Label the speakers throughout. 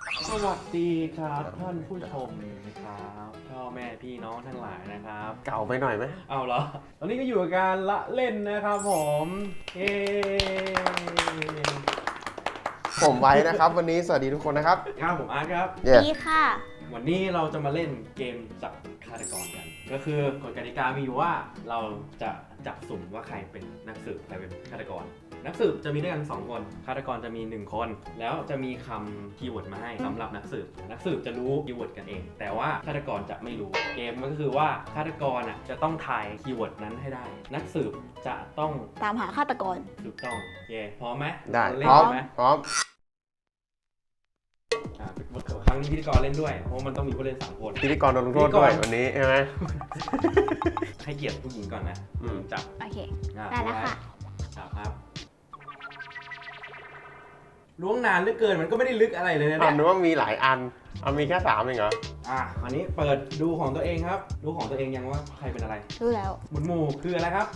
Speaker 1: สวัสดีครับท่านผู้ชมนะครับพ่อแม่พี่น้องทั้งหลายนะครับ
Speaker 2: เก่าไปหน่อยไหม
Speaker 1: เอาเหรอตอนนี้ก็อยู่กับการละเล่นนะครับผมเย้
Speaker 2: ผมไว้นะครับ วันนี้สวัสดีทุกคนนะครับ
Speaker 1: ครับผมอาร์ตครับ
Speaker 2: เย้
Speaker 3: ดีค่ะ
Speaker 1: วันนี้เราจะมาเล่นเกมจับฆาตกรกัน ก็คือกฎกติกามีอยู่ว่าเราจะจับสุ่มว่าใครเป็นนักสืบใครเป็นฆาตกร นักสืบจะมีด้วยกัน2คนฆาตกรจะมี1คนแล้วจะมีคำคีย์เวิร์ดมาให้สำหรับนักสืบจะรู้คีย์เวิร์ดกันเอง แต่ว่าฆาตกรจะไม่รู้เกมก็คือว่าฆาตกรจะต้องทายคีย์เวิร์ดนั้นให้ได้ นักสืบจะต้อง
Speaker 3: ตามหาฆาตกร
Speaker 1: ถูกต้องเย่พร้อมไหม
Speaker 2: ได้
Speaker 1: เล่
Speaker 2: พร้อม
Speaker 1: ไหม
Speaker 2: พร้อม
Speaker 1: ครั้งนี้พิธีกรเล่นด้วยเพราะมันต้องมีผู้เล่น3คน
Speaker 2: พิธีกรโดนลงโทษด้วยวันนี้ใช่ไหม
Speaker 1: ให้เกียรติผู้หญิงก่อนนะ จับ
Speaker 3: โอเค
Speaker 1: อ่ะ
Speaker 3: ได้แล้วค่ะ
Speaker 1: จับครับล้วงนานเหลือเกินมันก็ไม่ได้ลึกอะไรเลยนะ
Speaker 2: ถาม
Speaker 1: เนี่ย
Speaker 2: ดูว่ามีหลายอันเอามีแค่3เองเหรอ
Speaker 1: อันนี้เปิดดูของตัวเองครับ ดูของตัวเองยังว่าใครเป็นอะไร
Speaker 3: รู้แล้ว
Speaker 1: หมุนหมู่คืออะไรครับ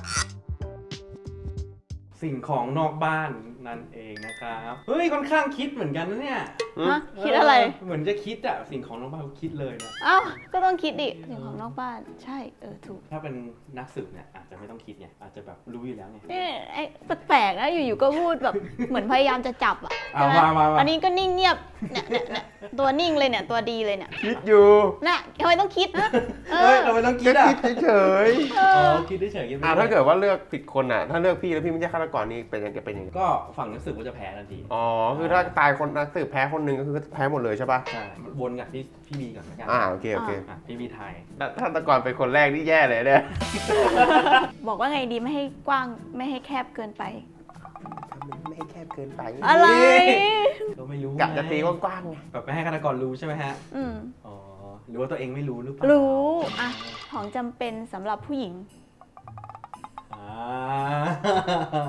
Speaker 1: สิ่งของนอกบ้านนั่นเองนะครับเฮ้ยค่อนข้างคิดเหมือนกันนะเนี่ย
Speaker 3: ฮะ คิดอะไร
Speaker 1: เหมือนจะคิดอะสิ่งของนอกบ้านคิดเลยนะ
Speaker 3: เอ้า ก็ต้องคิดดิสิ่งของนอกบ้าน ใช่ ถูก
Speaker 1: ถ้าเป็นนักสืบเนี่ยอาจจะไม่ต้องคิดไงอาจจะแบบรู้อยู่แล้วไง
Speaker 3: นี่ไอ้แปลกๆนะ อยู่ๆ ก็พูดแบบ เหมือนพยายามจะจับอ่ะ
Speaker 1: เอา
Speaker 3: ใช่ไห
Speaker 1: มา
Speaker 3: อันนี้ก็นิ่งเงียบ เนี่ยตัวนิ่งเลยเนี่ย ตัวดีเลยเนี่ย
Speaker 2: คิดอยู่
Speaker 3: น่ะทำไมต้องคิดนะ
Speaker 1: เฮ้ยเราไม่ต้องคิ
Speaker 2: แค่
Speaker 1: ดอะ
Speaker 2: คิดเฉย
Speaker 3: เอ
Speaker 1: อ๋
Speaker 3: อ
Speaker 1: อคิดเฉยๆคิด
Speaker 2: ๆ
Speaker 1: ไม่
Speaker 2: ถ้าเกิดว่าเลือกผิดคนอ่ะ ถ้าเลือกพี่แล้วพี่ไม่ใช่ฆาตกรนี่เป็นยังไงเป็นยังไง
Speaker 1: ก็ฝั่งนักสืบก็จะแพ้ทันที
Speaker 2: อ๋อคือถ้าตายคนนักสืบแพ้คนหนึ่งก็คือแพ้หมดเลยใช่ป่ะ
Speaker 1: ใช่วนกับพี่บีก่อนละกัน
Speaker 2: โอเคโอเค
Speaker 1: พี่บีไทย
Speaker 2: ถ้าฆาตกรเป็นคนแรกนี่แย่เลยเนี่ย
Speaker 3: บอกว่าไงดีไม่ให้กว้าง ไม่ให้แคบเกินไป
Speaker 2: ไม่ให้แคบเกินไป
Speaker 3: อะไร
Speaker 1: ก็ไม่รู้
Speaker 2: กะจะตีกว้างๆไง
Speaker 1: แบบไม่ให้ฆาตกรรู้ใช่ไหมฮะ
Speaker 3: อืม
Speaker 1: อ๋อหรือว่าตัวเองไม่รู้หรือเปล่า
Speaker 3: รู้ อ่ะ ของจำเป็นสำหรับผู้หญิง
Speaker 1: อ่า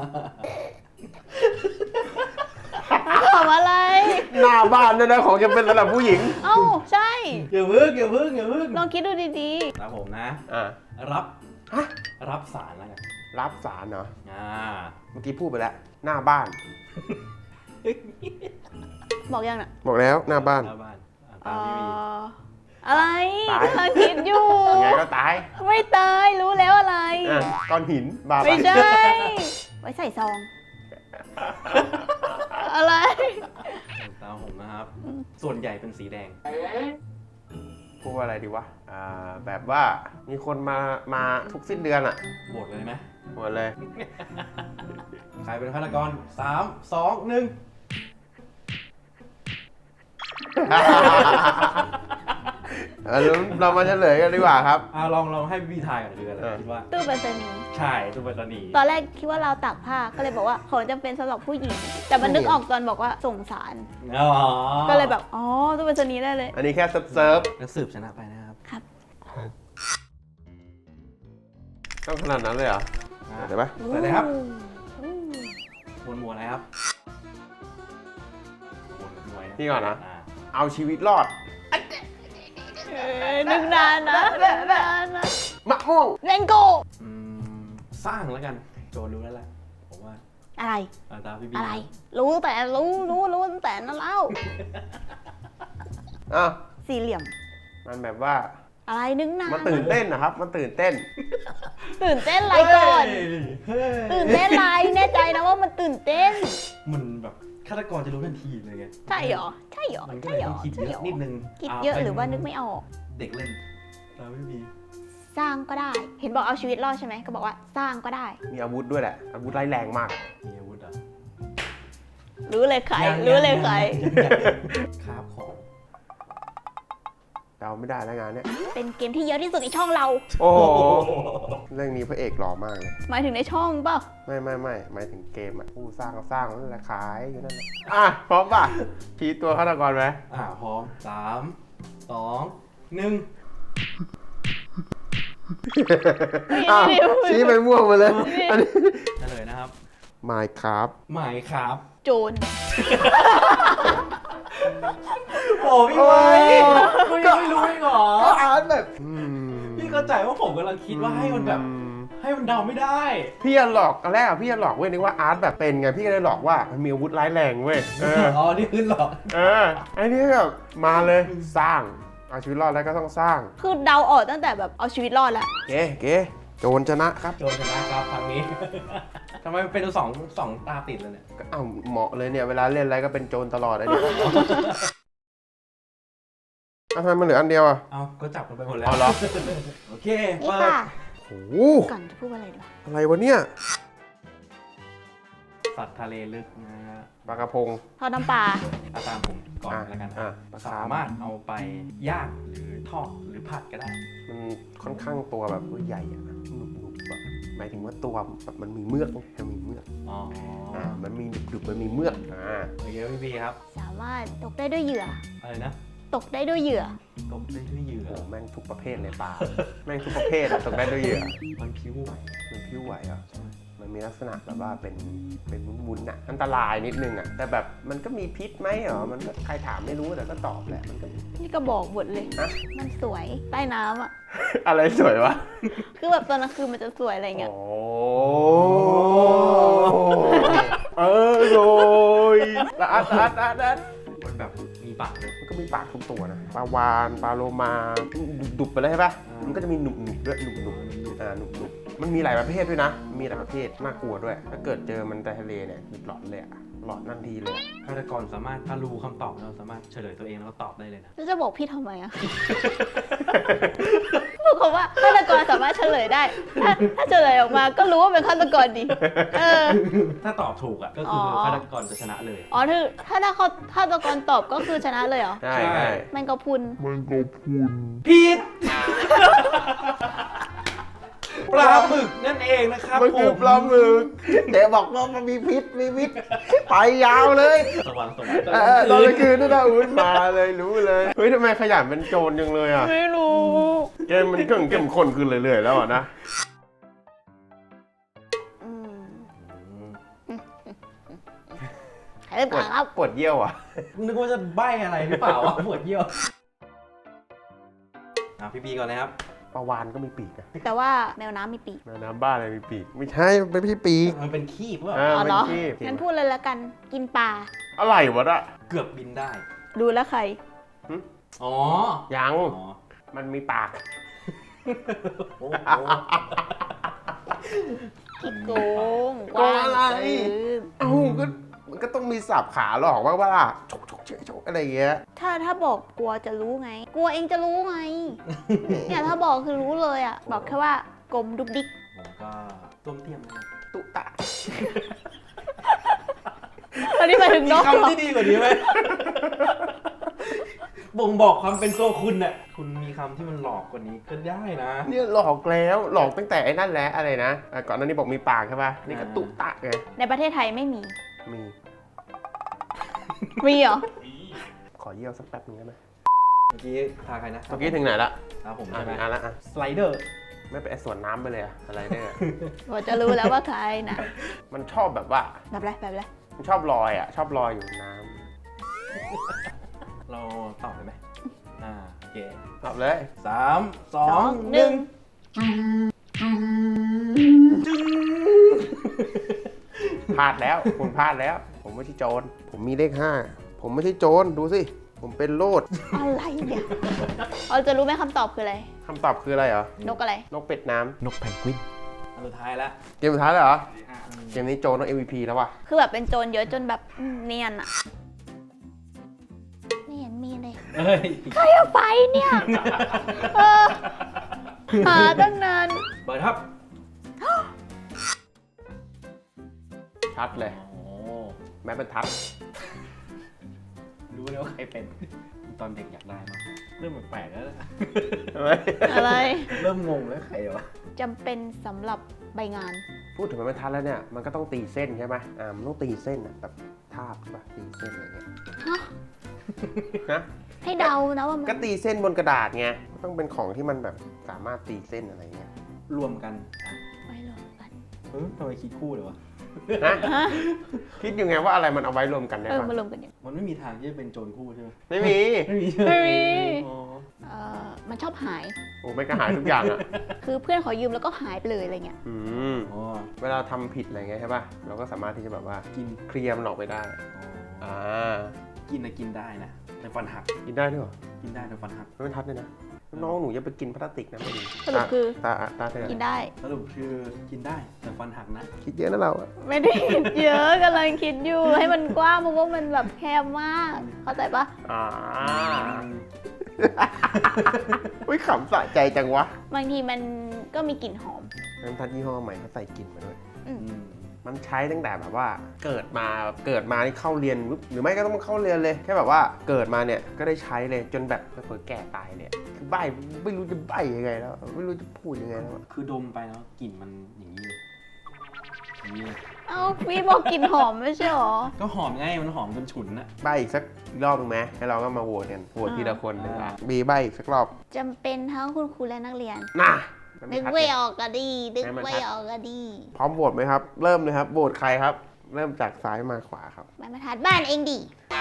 Speaker 3: ทำอะไร
Speaker 2: หน้าบ้านด้วยนะของจะเป็นระดับผู้หญิง
Speaker 3: เอ้า ใช่
Speaker 1: อย่าพึ่ง
Speaker 3: ลองคิดดูดี
Speaker 1: ครับผมนะ
Speaker 2: อ่า
Speaker 1: รับ
Speaker 2: ฮะ
Speaker 1: รับสารแล้วกัน
Speaker 2: รับสารเหรอ
Speaker 1: อ่า
Speaker 2: เมื่อกี้พูดไปแล้ว หน้าบ้าน
Speaker 3: ๆ บอกยังน่ะ
Speaker 2: บอกแล้วหน้าบ้าน
Speaker 1: หน้าบ้านตามพี่บี
Speaker 3: อะไร
Speaker 2: ตาย
Speaker 3: กำลังคิดอยู่
Speaker 2: ยังไงก็ตาย
Speaker 3: ไม่ตายรู้แล้วอะไร
Speaker 2: อ่ะก้อนหินบาไป
Speaker 3: ไม่ใช่ ไว้ใส่ซอง อะไร
Speaker 1: ตามผมนะครับ ส่วนใหญ่เป็นสีแดง
Speaker 2: พูดว่าอะไรดีวะแบบว่ามีคนมาทุกสิ้นเดือนอ่ะ
Speaker 1: โหวตเลยไหม
Speaker 2: หมดเลย
Speaker 1: ใครเป็นฆาตกร3 2 1
Speaker 2: เรามาเฉลยกันดีกว่าครับ
Speaker 1: ลองให้พี่บีทายก่อนดีกว่าคิดว่า
Speaker 3: ตู้ไปรษณีย์
Speaker 1: ใช่ตู้ไปรษณีย์
Speaker 3: ตอนแรกคิดว่าเราวตากผ้า ก็เลยบอกว่าของจำเป็นสำหรับผู้หญิง แต่มันนึกออกตอนบอกว่าส่งสาร
Speaker 1: อ๋อ
Speaker 3: ก็เลยแบบ อ๋อ ตู้ไปรษณีย์ได้เลย
Speaker 2: อันนี้แค่เซิร์ฟ
Speaker 1: นักสืบชนะไปนะครับ
Speaker 3: ครับ
Speaker 2: ต้องขนาดนั้นเลยเหรอเดี๋ยวปะ
Speaker 1: เปิดเลยครับวนมัวอะไรครับวนมวย
Speaker 2: พี่ก่อนนะ เอาชีวิตรอด
Speaker 3: นึกนานนะนึกนานนะ
Speaker 2: มะม่วง
Speaker 3: เลนโก
Speaker 1: สร้างแล้วกัน โจรรู้แล้วแหละผมว่า
Speaker 3: อะไร
Speaker 1: ตามพี่บี
Speaker 3: อะไร รู้ตั้งแต่นั้นแล้ว
Speaker 2: อ้าว
Speaker 3: สี่เหลี่ยม
Speaker 2: มันแบบว่า
Speaker 3: อะไรนึกนาน
Speaker 2: มันตื่นเต้นนะครับ มันตื่นเต้น
Speaker 3: ตื่นเต้นอะไรก่อน ตื่นเต้นอะไรแน่ใจนะว่ามันตื่นเต้น
Speaker 1: มันแบบฆาตกรจะรู้ทันทีเลยไง
Speaker 3: ใช่เหรอ ใช่เหรอ
Speaker 1: มันก็
Speaker 3: ใช่
Speaker 1: เลย
Speaker 3: เหร
Speaker 1: ต้
Speaker 3: อ
Speaker 1: องคิด
Speaker 3: ใช่
Speaker 1: เย
Speaker 3: เหร
Speaker 1: อะ
Speaker 3: อ
Speaker 1: นิดนึง
Speaker 3: คิดเยอะหรือว่านึกไม่ออก
Speaker 1: เด็กเล่นตามพี่บี
Speaker 3: สร้างก็ได้ เห็นบอกเอาชีวิตรอดใช่ไหมก็บอกว่าสร้างก็ได้
Speaker 2: มีอาวุธด้วยแหละ อาวุธร้ายแรงมาก
Speaker 1: มีอาวุธอ่ะ
Speaker 3: รู้เลยใคร รู้เลยใคร
Speaker 1: ครับของ
Speaker 2: เดาไม่ได้แล้วงานเนี้ย
Speaker 3: เป็นเกมที่เยอะที่สุดในช่องเรา
Speaker 2: โอ้โห เรื่องนี้พระเอกหล่อมากเลย
Speaker 3: หมายถึงในช่องเปล่า
Speaker 2: ไม่หมายถึงเกมอ่ะ ผู้สร้างก็สร้างนั่นแหละขายอยู่นั่นแหละพร้อมป่ะชี้ตัวฆาตกรไหม
Speaker 1: พร้อม3 2 1
Speaker 2: ชี้ไปม่วงมาเลยอันนี้
Speaker 1: เฉลยนะครับ
Speaker 2: Minecraft
Speaker 1: หมายครับ
Speaker 3: โจร
Speaker 1: โอ้พี่ไว้คุณยังไม่รู้เองเหรอ
Speaker 2: ก็อ่านแบบ
Speaker 1: พี่เข้าใจว่าผมกำลังคิดว่าให้มันแบบให้มันเดาไม่ได้
Speaker 2: พี่จะหลอกตอนแรกอะพี่จะหลอกเว้ยนึกว่าอาร์ตแบบเป็นไงพี่ก็เลยหลอกว่ามันมีอาวุธร้ายแรงเว้ย
Speaker 1: อ๋อนี่คือหลอก
Speaker 2: ไอ้นี่แบบมาเลยสร้างเอาชีวิตรอดแล้วก็ต้องสร้าง
Speaker 3: คือเดาออกตั้งแต่แบบเอาชีวิตรอดแล้ว
Speaker 2: เก๋โจรชนะครับ
Speaker 1: โจรชนะครับครั้งนี้ ทำไมมันเป็นสองตาติดเลยเนี่ย
Speaker 2: ก็เอาเหมาะเลยเนี่ยเวลาเล่นอะไรก็เป็นโจรตลอดไอ้เนี่ยทำไมมันเหลืออันเดียวอ่ะ
Speaker 1: เอาก็จับกันไปหมดแล้ว
Speaker 2: เอาเหรอ
Speaker 1: โอเค
Speaker 3: นี่
Speaker 1: เปิด
Speaker 3: ค่ะ
Speaker 2: โอ้โห
Speaker 3: ก่อนจะพูดอะไรดีวะ
Speaker 2: อะไรวะเนี่ย
Speaker 1: สัตว์ทะเลลึกนะฮะ
Speaker 2: ปลากระพง
Speaker 3: ทอดน้ำปลา
Speaker 1: เอาตามผมก่อนแล้วกันครับสามารถเอาไปย่างหรือทอดหรือผัดก็ได้
Speaker 2: มันค่อนข้างตัวแบบใหญ่อะหนุบๆอะหมายถึงว่าตัวแบบมันมีเมือกมันมีเมือก
Speaker 1: อ๋อ
Speaker 2: มันมีดุบๆมันมีเมือก
Speaker 1: โอเคพี่ครับ
Speaker 3: สามารถตกได้ด้วยเหยื่อ
Speaker 1: อะไรนะ
Speaker 3: ตกได้ด้วยเหยื่อ
Speaker 1: ตกได้ด้วยเหยื่อ
Speaker 2: โอ้แม่งทุกประเภทเลยปลา แม่งทุกประเภทอะตกได้ด้วยเหยื่อ
Speaker 1: มันผิวไหว
Speaker 2: มันพิ้วไหวอ่ะมันมีลักษณะแบบว่าเป็นวุ้นๆอ่ะอันตรายนิดนึงอ่ะแต่แบบมันก็มีพิษไหมเหรอมันก็ใครถามไม่รู้แต่ก็ตอบแหละมันก็
Speaker 3: นี่ก็บอกหมดเลย
Speaker 2: ฮะ
Speaker 3: มันสวยใต้น้ำอ่ะ
Speaker 2: อะไรสวยวะ
Speaker 3: คือแบบตอนกลางคืนมันจะสวยอะไรเงี้ย
Speaker 2: โอ้โยละอัด
Speaker 1: มันแบบมีปากเลย
Speaker 2: มันก็มีปากทุกตัวนะปลาวาฬปลาโลมาดุบๆไปเลยใช่ปะมันก็จะมีหนุบๆด้วยหนุบๆหนุบๆมันมีหลายประเภทด้วยนะ มีหลายประเภทน่ากลัวด้วย ถ้าเกิดเจอมันในทะเลเนี่ยหลอนเลยอะหลอนทันทีเลยอะ
Speaker 1: ฆาตกรสามารถถ้ารู้คำตอบเราสามารถเฉลยตัวเองแล้วก็ตอบได้เลยนะ
Speaker 3: แล้วจะบอกพี่ทำไมอ่ะ พูดคำว่าฆาตกรสามารถเฉลยได้ ถ้าเฉลยออกมาก็รู้ว่าเป็นฆาตกรดี
Speaker 1: ถ้าตอบถูกอ่ะก็คือฆาตกรจะชนะเลย
Speaker 3: อ๋อถ้าฆาตกรตอบก็คือชนะเลยเหรอ
Speaker 2: ใช่
Speaker 3: แมงกะพรุน
Speaker 1: ผิด ปลาหมึกนั่นเองนะครับ
Speaker 2: มันคือปลาหมึกเดี๋ยวบอกว่ามันมีพิษไปยาวเลย
Speaker 1: สว่าง
Speaker 2: ตอนกลางคืนนั่นนะอุ้ยมาเลยรู้เลยเฮ้ยทำไมขยันเป็นโจรจังเลยอ่ะ
Speaker 3: ไม่รู้
Speaker 2: เกมมันเข้มข้นขึ้นเรื่อยๆแล้วอ่ะนะ
Speaker 3: ใครเริ่มก่อนครับ
Speaker 2: ปวดเยี่ยวอ่ะ
Speaker 1: นึกว่าจะใบ้อะไรหรือเปล่าวะปวดเยี่ยวพี่บีก่อนนะครับ
Speaker 2: ปลาวานก็มีปีกนะ
Speaker 3: แต่ว่าแมวน้ำมีปีก
Speaker 2: แมวน้ำบ้าอะไรมีปีกไม่ใช่มันไม่ใช่ปีก
Speaker 1: มันเป็นขี้เปล่า
Speaker 3: อ๋อเหรอ
Speaker 2: มันขี้
Speaker 3: งั้นพูดเลยละกัน กินปลา
Speaker 2: อะไรวะน่ะ
Speaker 1: เกือบบินได้
Speaker 3: ดูแล้วใคร
Speaker 1: อ๋อ
Speaker 2: ยัง
Speaker 1: อ๋อ
Speaker 2: มันมีปาก
Speaker 1: โอ้โห
Speaker 3: ขี้โกง
Speaker 2: โกงอะไร เอ้าก็มันก็ต้องมีสับขาหลอกว่าชกอะไรอย่างเงี้ย
Speaker 3: ถ้าบอกกลัวจะรู้ไง กลัวเองจะรู้ไง เนี่ยถ้าบอกคือรู้เลยอ่ะ บอกแค่ว่ากลมดุกดิก
Speaker 1: ผมก็ต้มเทียมนะครับ
Speaker 2: ตุตะ
Speaker 3: อันนี้หมายถึงนกเหร
Speaker 1: คำ
Speaker 3: อ
Speaker 1: ที่ดีกว่านี้ไหมบ่งบอกความเป็นตัวคุณน่ะคุณมีคำที่มันหลอกกว่านี้ก็ได้นะ
Speaker 2: เนี่ยหลอกแล้วหลอกตั้งแต่ไอ้นั่นแหละอะไรนะก่อนหน้านี้บอกมีปากใช่ป่ะนี่ก็ตุตะไง
Speaker 3: ในประเทศไทยไม่มี
Speaker 2: มี
Speaker 3: มีเหรอ
Speaker 2: ขอเยี่ยวสักแป๊บนึงได้ไหม
Speaker 1: เมื่อกี้ทาใครนะ
Speaker 2: เมื่อกี้ถึงไหนละ
Speaker 1: ครับผม
Speaker 2: อ่ะ
Speaker 1: ใช่ไหม
Speaker 2: อ่ะละอ่ะ
Speaker 1: สไลเดอร์
Speaker 2: ไม่ไปไอ้สวนน้ำไปเลยอะอะไรเนี่ย
Speaker 3: ผมจะรู้แล้วว่าใครนะ
Speaker 2: มันชอบแบบว่า
Speaker 3: แบบไรแบบไร
Speaker 2: มันชอบลอยอ่ะชอบลอยอยู่ในน้
Speaker 1: เราตอบเลยไหมโอเค
Speaker 2: ำตอบเลย
Speaker 1: 3 2
Speaker 3: 1
Speaker 2: พลาดแล้วคุณพลาดแล้ว ผมไม่ใช่โจรผมมีเลข5ผมไม่ใช่โจรดูสิผมเป็นโลด
Speaker 3: อะไรเนี่ยเราจะรู้ไหมคำตอบคืออะไร
Speaker 2: คำตอบคืออะไรเหรอน
Speaker 3: กอะไร
Speaker 2: นกเป็ดน้ำ
Speaker 1: นกแพนกวินอันสุดท้ายแล้ว
Speaker 2: เกมสุดท้ายเลยเหรอเกมนี้โจรต้อง MVP แล้วว่ะ
Speaker 3: คือแบบเป็นโจรเยอะจนแบบเนียนอะไม่เห็นมีเลย
Speaker 1: เอ้ย
Speaker 3: ใครเอาไปเนี่ยเออหาตั้งนาน
Speaker 1: เปิดครับ
Speaker 2: ชัดเลย
Speaker 1: โอ้
Speaker 2: แม้เป็นทัด
Speaker 1: รู้แล้วว่าใครเป็น ตอนเด็กอยากได้มากเริ่มแปลกๆแล้วนะ
Speaker 2: ใช่ไหม
Speaker 3: อะไร
Speaker 1: เริ่มงงแล้วใครวะ
Speaker 3: จำเป็นสำหรับใบงาน
Speaker 2: พูดถึงแม้เป็นทัดแล้วเนี่ยมันก็ต้องตีเส้นใช่ไหมมันต้องตีเส้นอ่ะแบบทาบใช่ปะตีเส้นอะไรเงี้ย
Speaker 3: ฮะ
Speaker 2: นะ
Speaker 3: ให้เดานะว่ามัน
Speaker 2: ก็ตีเส้นบนกระดาษไงก็ต้องเป็นของที่มันแบบสามารถตีเส้นอะไรเงี้ย
Speaker 1: รวมกัน
Speaker 3: ไว้รวมกัน
Speaker 1: ทำไมคิดคู่เลยวะ
Speaker 2: นะ
Speaker 3: ฮะ
Speaker 2: คิดอยู่ไงว่าอะไรมันเอาไว้รวมกันได้
Speaker 3: เออ
Speaker 2: ปะ
Speaker 3: มารวมกันอย่าง
Speaker 1: มันไม่มีทางที่จะเป็นโจรคู่ใช่ไหม
Speaker 2: ไม่มี
Speaker 1: ไม่มี
Speaker 3: ไม่มี
Speaker 1: อ๋อ
Speaker 3: มันชอบหาย
Speaker 2: โอ้ไม่ก็หายทุกอย่างอ่ะ
Speaker 3: คือเพื่อนขอยืมแล้วก็หายไปเลยอะไรเงี้ย
Speaker 2: อืม
Speaker 1: อ๋อ
Speaker 2: เวลาทำผิดอะไรเงี้ยใช่ป่ะเราก็สามารถที่จะแบบว่า
Speaker 1: กิน
Speaker 2: เคลียร์มันออกไปได้ อ่า
Speaker 1: กินนะกินได้นะแต่ฟันหัก
Speaker 2: กินได้ด้วยเหรอ
Speaker 1: กินได้แต่ฟันหัก
Speaker 2: ไม่เป็นทัดเลยนะน้องหนูอย่าไปกินพลาสติกนะไม่ดี
Speaker 3: สรุปคือ
Speaker 2: ตาเธอ
Speaker 3: กินได้
Speaker 1: สรุปคือกินได้แต่ฟันหักนะ
Speaker 2: คิดเยอะนะเราอะ
Speaker 3: ไม่ได้คิดเยอะกำลังคิดอยู่ให้มันกว้างเพราะว่ามันแบบแคบมาก เข้าใจปะ
Speaker 2: อ่าอุ้ยขำสะใจจังวะ
Speaker 3: บางทีมันก็มีกลิ่นหอม
Speaker 2: น้ำทัดยี่ห้อใหม่เขาใส่กลิ่นมาด้วย
Speaker 3: อืม
Speaker 2: มันใช้ตั้งแต่แบบว่าเกิดมานี่เข้าเรียนปุ๊บหรือไม่ก็ต้องเข้าเรียนเลยแค่แบบว่าเกิดมาเนี่ยก็ได้ใช้เลยจนแบบเผลอๆแก่ตายเลยอะคือใบไม่รู้จะใบยังไงแล้วไม่รู้จะพูดยังไงแล้วอะ
Speaker 1: คือดมไปแล้วกลิ่นมันอย่างนี้เลยอย่างนี้เลย
Speaker 3: เอ้าพี่บอกกลิ่นหอมไม่ใช่หรอ
Speaker 1: ก็หอมไงมันหอมจนฉุนนะ
Speaker 2: ใบอีกสักรอบนึงไหมให้เราก็มาโหวตกันโหวตทีละคนเลยนะบีใบอีกสักรอบ
Speaker 3: จำเป็นทั้งคุณครูและนักเรียน
Speaker 2: น่ะ
Speaker 3: นึกไม่ออกก็ดี นึก
Speaker 2: ให้มัน
Speaker 3: ไม่
Speaker 2: ชัด
Speaker 3: ออกก็ดี
Speaker 2: พร้อมโหวตไหมครับ เริ่มเลยครับโหวตใครครับ เริ่มจากซ้ายมาขวาครับ
Speaker 3: มันมาทัดบ้านเองดิ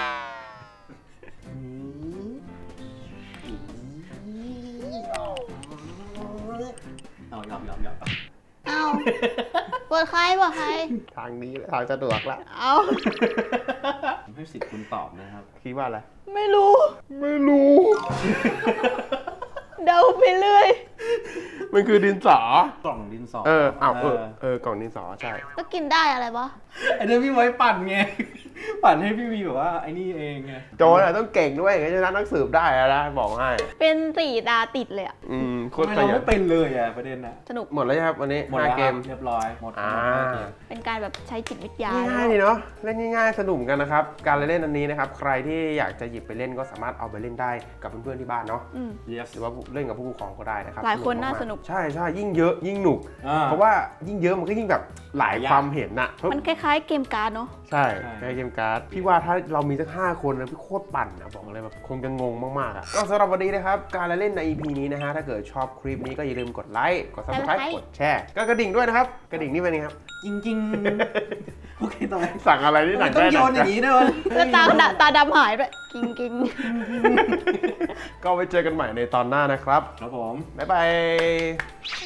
Speaker 1: เอายอม
Speaker 3: เอ้าปวดใครปวดใคร
Speaker 2: ทางนี้ทางสะดวกละ
Speaker 3: เอ้า
Speaker 1: ผมให้สิทธิ์คุณตอบนะครับ
Speaker 2: คิดว่าอะไร
Speaker 3: ไม่รู้
Speaker 2: ไม่รู้
Speaker 3: เดาไปเรื่อย
Speaker 2: มันคือดินสอ
Speaker 1: กล่องดินสอ
Speaker 2: กล่องดินสอใช่
Speaker 3: ก็กินได้อะไรวะ
Speaker 1: ไอเดี๋ยวพี่ไว้ปั่นไง ปั่นให้พี่วีแบบว่าไอ้นี่เองไง
Speaker 2: โจรอะต้องเก่งด้วยอย่างนี้จะนักสืบได้แล้วนะบอกให้
Speaker 3: เป็น4 ตาติดเลยอะ
Speaker 2: โค
Speaker 1: ทำ
Speaker 2: ตร
Speaker 1: ไม
Speaker 2: ข
Speaker 1: เรา
Speaker 2: ยัน
Speaker 1: ไม่เป็นเลยอ่ะประเด็นน่ะ
Speaker 3: สนุก
Speaker 2: หมดแล้วใช่ครับวันนี้
Speaker 1: หมดแล้ว
Speaker 2: 5เกม
Speaker 1: เรียบร้อยหมด
Speaker 2: อ่า
Speaker 1: เกม
Speaker 3: เป็นการแบบใช้จิตวิทยา
Speaker 2: ง่ายๆดีเนาะเล่นง่ายๆสนุกกันนะครับ การเล่นอันนี้นะครับ ใครที่อยากจะหยิบไปเล่นก็สามารถเอาไปเล่นได้กับเพื่อนๆที่บ้านเนาะ
Speaker 3: อืม
Speaker 1: yes
Speaker 2: หรือว่าเล่นกับผู้ปกครองก็ได้นะครับ
Speaker 3: หลายคนน่า
Speaker 2: ๆ
Speaker 3: สนุก
Speaker 2: ใช่ใช่ยิ่งเยอะยิ่งหนุก เพราะว่ายิ่งเยอะมันก็ยิ่งแบบหลายความเห็นน่ะ
Speaker 3: มันคล้ายๆเกมการ์ดเนาะ
Speaker 2: ใช่
Speaker 1: ใช่
Speaker 2: ในเกมการ์ดพี่ว่าถ้าเรามีสัก5คนนะพี่โคตรปั่นนะบอกเลยแบบคงจะงงมากๆอ่ะก็สำหรับวันนี้นะครับการเล่นใน EP นี้นะฮะถ้าเกิดชอบคลิปนี้ก็อย่าลืมกดไลค์กด subscribe กดแชร์ก็กระดิ่งด้วยนะครับกระดิ่งนี่เป็นไงครับ
Speaker 1: จริงๆโอเคต่อไป
Speaker 2: สั่งอะไรนี่หนัก
Speaker 1: ต้อง
Speaker 2: ได้
Speaker 1: โย
Speaker 2: หนั
Speaker 1: นอย่าง
Speaker 2: ก
Speaker 1: นี้ด้วยวะ
Speaker 3: แล้วตาดำหายด้วยกิ้งกิ้ง
Speaker 2: ก็ไว้เจอกันใหม่ในตอนหน้านะครับ
Speaker 1: ครับผม
Speaker 2: บ๊ายบาย